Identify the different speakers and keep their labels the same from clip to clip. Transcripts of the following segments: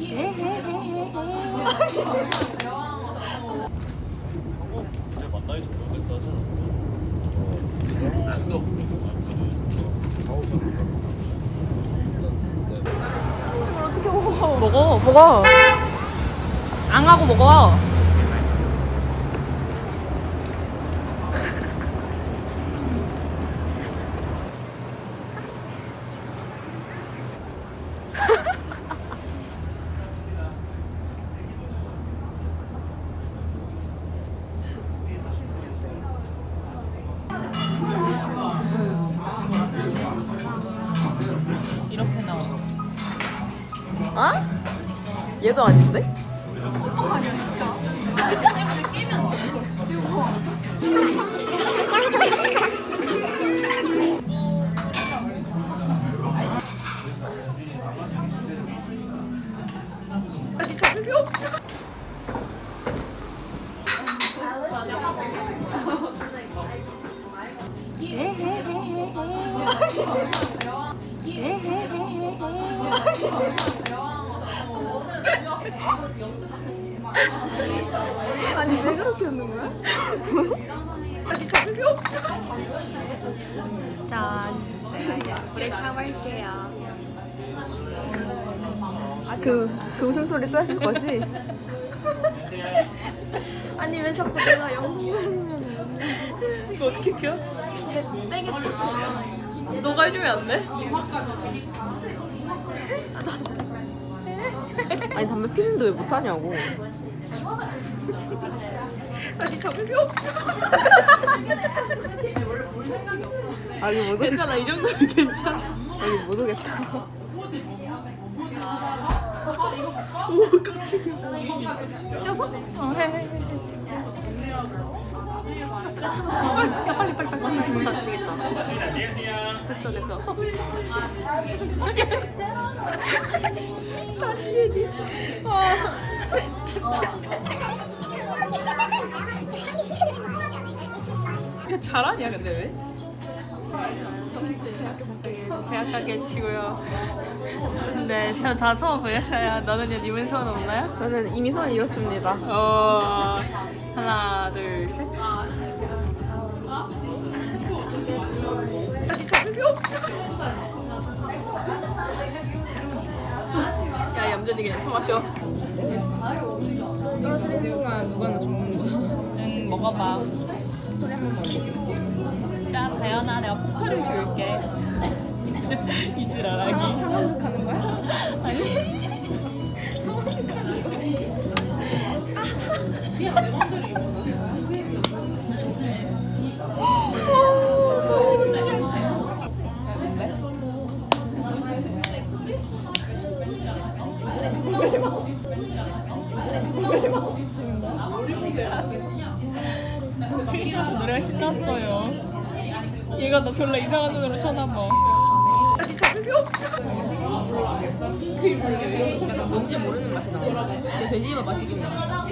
Speaker 1: 이제 만나기 좀 오래됐다 하잖아.
Speaker 2: 어떻게 먹어? 먹어. 안 하고 먹어. 이렇게 나와. 어? 얘도 아닌데?
Speaker 3: 아니 왜 그렇게 웃는 거야? 아니 저 필요 없어.
Speaker 2: 짠. 브레이크 하고 할게요.
Speaker 3: 그 웃음소리 또 하실 거지? 아니 왜 자꾸 내가 영상 들으면
Speaker 2: 이거 어떻게 켜?
Speaker 3: 근데 세게 톡해.
Speaker 2: 너가 해주면 안 돼?
Speaker 3: 아니 담배 피는데 왜 못하냐고. 아니 담배 필요 없어. 아니 모르겠다.
Speaker 2: 괜찮아, 이 정도면 괜찮아.
Speaker 3: 아니 모르겠다.
Speaker 2: 오, 깜짝이야. 찢어서? 어, 해. 야, 빨리. 문 닫히겠다. 됐어. 다시 얘기. 야, 잘하냐, 근데 왜? 대학 가게 해주시고요. 근데 저 소원 보여줘요. 너는요? 님은 소원 없나요?
Speaker 3: 저는 이미 소원 이뤘습니다.
Speaker 2: 하나, 둘, 셋.
Speaker 3: 아니 담배 필요 없어.
Speaker 2: 야, 얌전히 그냥 처마셔.
Speaker 3: 떨어뜨리는 순간 누가나 죽는 거야.
Speaker 2: 응, 먹어봐.
Speaker 3: 소리 한 번만 올리게.
Speaker 2: 자, 다현아, 내가 포카를 줄게. 이 지랄하기.
Speaker 3: 상황극 하는 거야?
Speaker 2: 아니. 노래가 신났어요. 얘가 나 졸라 이상한 눈으로 쳐다봐.
Speaker 3: 아니 담배 필요 없어.
Speaker 2: 약간 뭔지 모르는 맛이 나. 근데 돼지밥 맛이긴 나.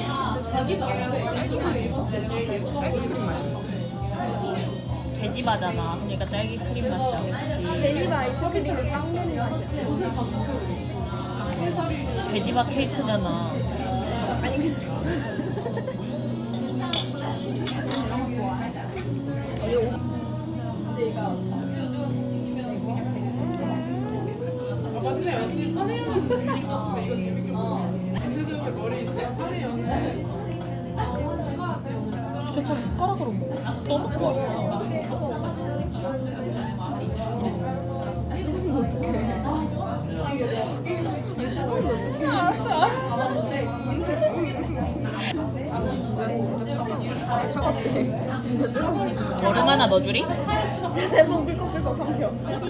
Speaker 2: 돼지바잖아. 그러니까 딸기 크림 맛이 나겠지.
Speaker 3: 돼지바 아이스크림을 빵 먹는 거야.
Speaker 2: 돼지바 케이크잖아.
Speaker 3: 아니 근데
Speaker 2: 저처럼 숟가락으로 먹어. 떠먹고 왔어.
Speaker 3: 차갑대. 진짜 뜨거워.
Speaker 2: 얼음 하나 넣어주리?
Speaker 3: 세번 꿀꺽꿀꺽 삼켜.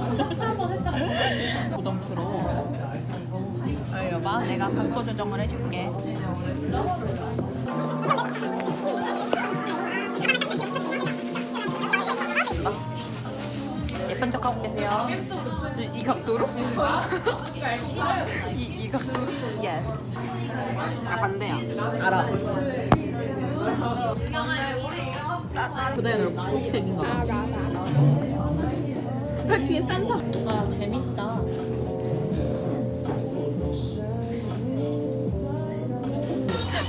Speaker 2: 부담 프로. 알려봐. 내가 각도 조정을 해줄게. 예쁜 척 하고 계세요. 이 각도로? 이 각도로? Yes.
Speaker 3: 아 반대야.
Speaker 2: 알아. 보다야 너 초록색인가 봐.
Speaker 3: 그 뒤에 산타.
Speaker 2: 아 재밌다.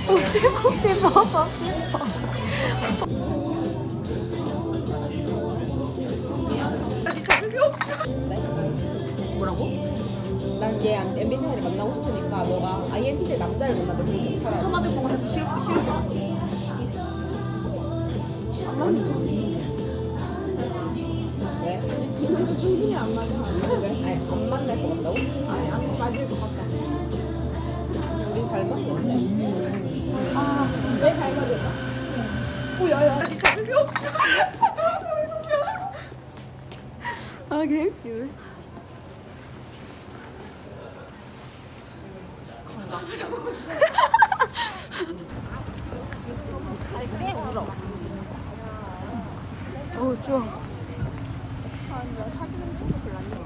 Speaker 3: 아니 잡을 필요 없어.
Speaker 2: 뭐라고?
Speaker 1: 난 얘 MBTI를 만나고 싶으니까 너가 INTJ 남자를 만나도 되게 괜찮아.
Speaker 2: 쳐 맞을 것 같아서 싫을 것 같아.
Speaker 1: 왜?
Speaker 3: 충분히 안 맞아.
Speaker 1: 왜? 아니 안 만날 것 같다고?
Speaker 3: 아니 안 맞을 것 같아.
Speaker 1: 우린 잘 맞는데.
Speaker 3: 아
Speaker 1: 진짜 잘 맞을까?
Speaker 3: 오야야. 아니 잡을 필요 없어. 아 개웃기네. 갈때 울어. 어 좋아. 사진은 찍고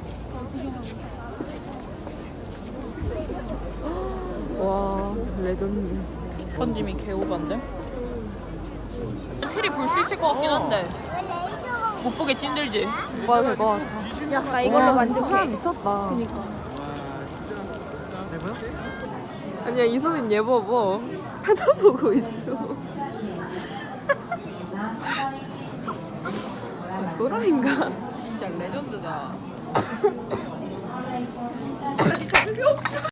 Speaker 3: 와 레전드.
Speaker 2: 전짐이 개오반데? 트리 볼 수 있을 것 같긴 한데 못 보게 찐들지?
Speaker 3: 뭐야 될것 같아.
Speaker 1: 야, 나 이걸로 만족해.
Speaker 3: 사람 미쳤다. 그니까. 아니야 이소민 얘 봐봐. 찾아보고 있어. 또라이인가?
Speaker 2: 진짜 레전드다.
Speaker 3: 아니 잡을 필요 없어.